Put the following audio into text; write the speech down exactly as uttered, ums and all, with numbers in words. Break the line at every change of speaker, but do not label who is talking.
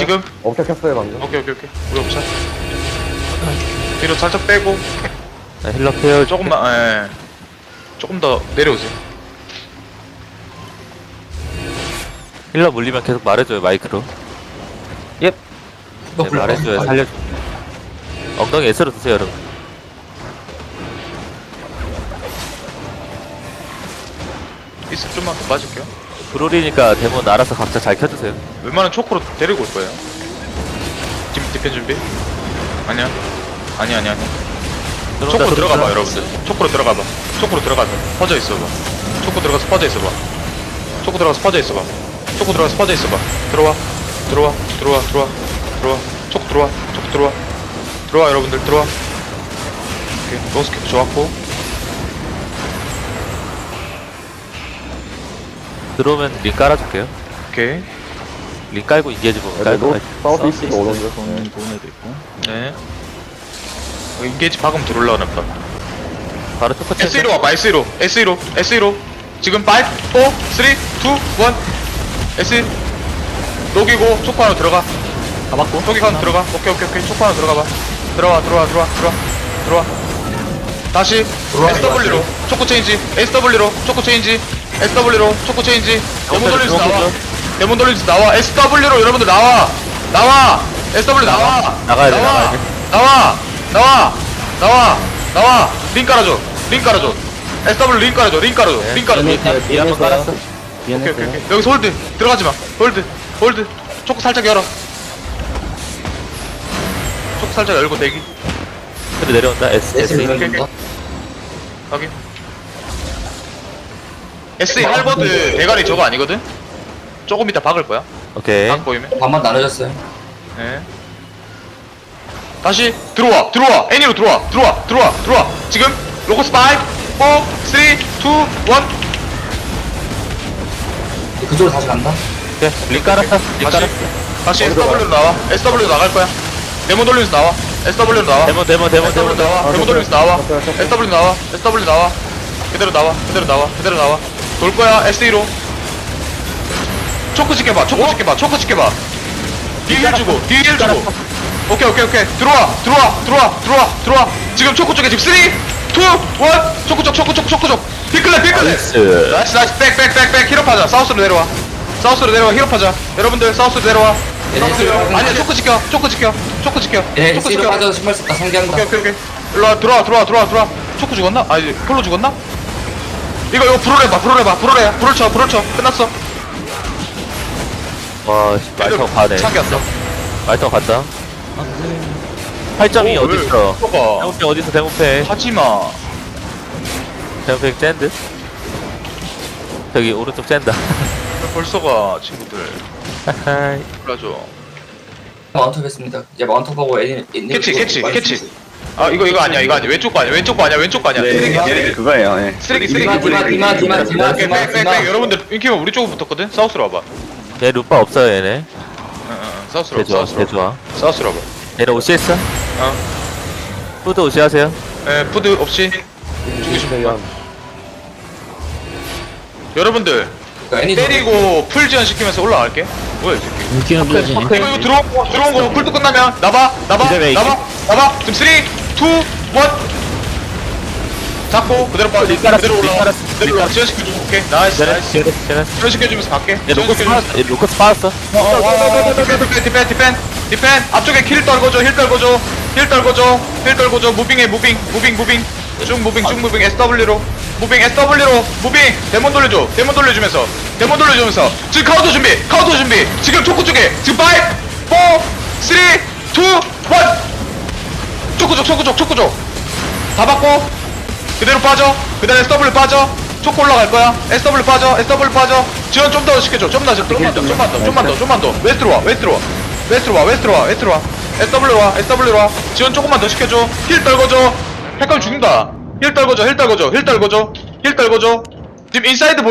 지금
업체 켰어요 방금.
오케이 오케이 오케이 우리 없자 뒤로 살짝 빼고
네, 힐러 케어
조금만 예 조금 더 내려오세요.
힐러 물리면 계속 말해줘요 마이크로. 예. 네, 말해줘요 살려줘. 엉덩이 S로 드세요 여러분.
있어 좀만 더 빠질게요.
브롤이니까 데몬 알아서 각자 잘 켜주세요.
웬만한 초코로 데리고 올 거예요. 지금 디펜 준비? 아니야 아니야 아니야 아니야
들어온다,
초코로 들어가봐
들어온다.
여러분들. 초코로 들어가봐. 초코로 들어가서 퍼져 있어봐. 초코 들어가서 퍼져 있어봐. 초코 들어가서 퍼져 있어봐. 초코 들어가서 퍼져 있어봐. 들어와 들어와 들어와 들어와 들어와 초코 들어와 초코 들어와 들어와 여러분들 들어와. 오케이 로스캡 좋았고
들어오면 링 깔아줄게요.
오케이
링 깔고 인게이지 보면
애들
깔고
노 사우스 이스트 오던데.
보는 보는 애도 있고.
네 어, 인게이지 박음 들어올라오나 보다.
바로 똑같이
에스이로 와봐 에스이로 에스이로 에스이로 지금 오, 사, 이, 일 에스 녹이고 초코 하나 들어가.
잡았고.
초기 하나 들어가. 오케이 오케이 오케이 초코 하나 들어가봐. 들어와 들어와 들어와 들어와 들어와 다시 에스더블유로 초코 체인지 에스더블유로 초코 체인지 에스더블유로 초코 체인지 데몬 돌리면서 나와 데몬 돌리면서 나와 에스더블유로 여러분들 나와 나와 에스더블유 나와
나가야 돼,
나와
나가야 돼.
나와 나와 나와 나와 링 깔아줘 링 깔아줘 에스더블유 링 깔아줘 링 깔아줘 링 깔아줘
이 한번 깔았어.
오케이 오케이 오케이 여기서 홀드 들어가지마 홀드 홀드 초코 살짝 열어 초코 살짝 열고 대기
그래 내려온다. S S
오케이 오케이 확인 에스이 할버드 대가리 저거 아니거든? 조금 이따 박을 거야
오케이.
박 보이면
반만 나눠졌어요.
네 다시 들어와 들어와 애니로 들어와 들어와 들어와 들어와 지금 로고스 오, 사, 삼, 이, 일
그쪽으로 다시 간다.
오케이. 링 깔았어. 링
다시
깔았어.
다시 에스더블유로 나와 에스더블유로 나갈 거야 데몬 돌리면서 나와 에스더블유로 나와
데몬 데몬 데몬
에스더블유
데몬.
나와 데몬 돌리면서 나와 에스더블유 나와 에스더블유 나와 그대로 나와 그대로 나와 그대로 나와 돌 거야 에스이로 초크 지켜봐 초크 지켜봐 초크 지켜봐 뒤에 힐 주고 뒤에 힐 주고 오케이 오케이 오케이 들어와 들어와 들어와 들어와 들어와 지금 초크 쪽에 지금 삼, 이, 일 초크 쪽 초크 쪽 초크 쪽 피클레 피클레
나이스.
나이스 나이스 백백백백 힐업하자 사우스로 내려와 사우스로 내려와 힐업하자 여러분들 사우스로 내려와 사우스로 내려와 아니야 초크 지켜 초크 지켜 초크 지켜
예,
초크
S로
지켜
빠져서 신발 썼다. 상기한다.
오케이 오케이 오케이 일로와 들어와 들어와 들어와 들어와 초크 죽었나? 아니 폴로 죽었나? 이거 이거 불을 해봐 불을 해봐 불을 해 불을 쳐 불을 쳐 끝났어
와 씨, 말타고 가네.
참겼어
말타고 갔다. 팔 점이
오,
어디
왜?
있어?
봐봐
대문패 어디 있어? 대문패.
하지마
대문패 샌드. 저기 오른쪽 샌다.
벌써가 친구들 불러줘
마운트 했습니다. 이제 마운트하고 애니 애니.
캐치 캐치 캐치 아 이거 이거 아니야 이거 아니야 왼쪽 거 아니야 왼쪽 거 아니야 왼쪽 거 아니야 쓰레기 쓰레기
그거예요. 예.
쓰레기 쓰레기
디마 디마 디마 디마 디마
오케이
디마
백백백
디마.
여러분들 인키면 우리 쪽으로 붙었거든 사우스로 와봐
얘 루파 없어요 얘네.
응, 응, 응. 사우스로
개 좋아
와봐
개
사우스로
좋아.
사우스로 와봐
얘네 오시 했어?
어
푸드 오시 하세요.
에, 푸드 없이 주고 싶은 거 여러분들
애니
때리고 풀 지연 시키면서 올라갈게. 뭐야 이 새끼.
물기는 물지.
이거 이거 들어온 거 들어온 거 풀도 끝나면 나봐 나봐
기다려,
나봐 나봐. 지금 삼, 이, 일 잡고 그대로 빠
링 깔았어,
그대로
링
올라와.
깔았어,
그대로 올라와. 지연 시켜줘. 오케이 나이스
쟤네
나이스.
쟤네 쟤네.
지연 시켜주면서 갈게.
얘
지연
로커스
시켜주면서.
빠졌어. 얘 로커스 빠졌어.
디펜 디펜 디펜 디펜 앞쪽에 킬 떨궈줘 힐 떨궈줘 힐 떨궈줘 힐 떨궈줘 무빙해 무빙 무빙 무빙 쭉 무빙 쭉 무빙 에스더블유로 무빙 에스더블유로 무빙 데몬 돌려줘 데몬 돌려주면서 데몬 돌려주면서 지금 카운터 준비 카운터 준비 지금 초코 쪽에 지금 오, 사, 삼, 이, 일 초코 쪽 초코 쪽 초코 쪽다 받고 그대로 빠져 그대로 에스더블유 빠져 초코 올라갈 거야 에스더블유 빠져 에스더블유 빠져 지원 좀 더 시켜줘 좀 더 좀만 더 좀만 더 좀만 더 좀만 더 웨스트로 와 웨스트로 와 웨스트로 와 웨스트로 와 웨스트로 와 에스더블유 와 에스더블유 와 지원 조금만 더 시켜줘 힐 떨궈줘 헷갈려 죽는다 힐 떨궈줘 힐 떨궈줘 힐 떨궈줘 힐 떨궈줘 지금 인사이드 볼